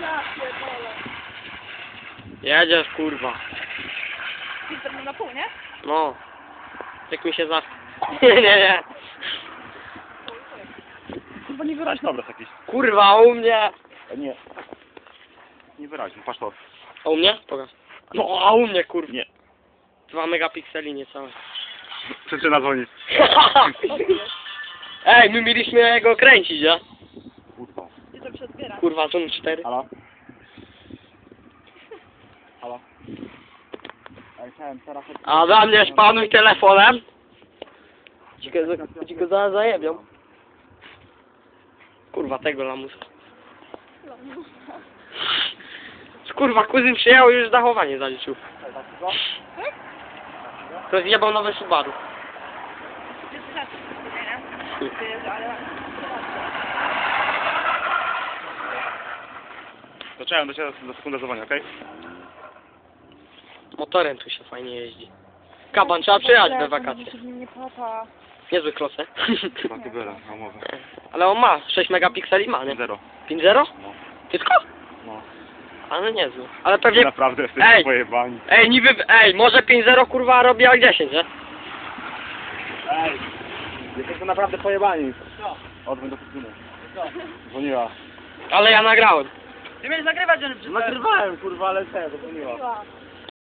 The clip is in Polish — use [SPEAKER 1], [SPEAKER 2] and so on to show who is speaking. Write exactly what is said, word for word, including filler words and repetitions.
[SPEAKER 1] Ja pierdolę.
[SPEAKER 2] Jedziesz, kurwa.
[SPEAKER 1] Filtr na pół, nie?
[SPEAKER 2] No. Jak mi się za... Nie, nie, nie.
[SPEAKER 1] Bo nie
[SPEAKER 3] Weź
[SPEAKER 1] wyraźno.
[SPEAKER 3] obraz jakiś.
[SPEAKER 2] Kurwa, u mnie.
[SPEAKER 3] A nie. Nie wyraźny, patrz to.
[SPEAKER 2] A u mnie? Pokaż. No, a u mnie, kurwa.
[SPEAKER 3] Nie.
[SPEAKER 2] Dwa megapikseli niecałe.
[SPEAKER 3] Przyczyna dzwoni.
[SPEAKER 2] Ej, my mieliśmy go kręcić, ja?
[SPEAKER 3] Kurwa.
[SPEAKER 1] Gdzie to przedbiera?
[SPEAKER 2] Kurwa, Zoom cztery.
[SPEAKER 3] Halo? Halo? Ja chciałem teraz...
[SPEAKER 2] A za mnie szpanuj telefonem. Ci go, ci go zaraz zajebią. Kurwa, tego lamusa. Kurwa, kuzyn przyjechał i już zachowanie zaliczył. To zjebał nowe Subaru.
[SPEAKER 1] Jest inaczej, nie? To jest, ale...
[SPEAKER 3] To czekam do ciebie za sekundę dzwonię, okej?
[SPEAKER 2] Motorem tu się fajnie jeździ. Kaban, trzeba przyjechać we wakacje.
[SPEAKER 1] się w nim nie płata.
[SPEAKER 2] Niezły klosę.
[SPEAKER 3] Ma tubera, na umowę.
[SPEAKER 2] Ale on ma, sześć megapikseli ma, nie?
[SPEAKER 3] Zero.
[SPEAKER 2] pięć zero?
[SPEAKER 3] No.
[SPEAKER 2] Tylko?
[SPEAKER 3] No.
[SPEAKER 2] Ale niezły. Ale pewnie...
[SPEAKER 3] Naprawdę jesteście
[SPEAKER 2] Ej!
[SPEAKER 3] pojebani.
[SPEAKER 2] Ej, niby... Ej, może pięć zero kurwa robi jak dziesięć, nie?
[SPEAKER 3] Ej! Jesteście naprawdę pojebani.
[SPEAKER 1] Co?
[SPEAKER 3] Odwróć do kuzyny. Dzwoniła.
[SPEAKER 2] Ale ja nagrałem.
[SPEAKER 1] Ty będziesz nagrywać, że...
[SPEAKER 3] Nagrywałem kurwa, ale co, dzwoniła.
[SPEAKER 1] Dzwoniła.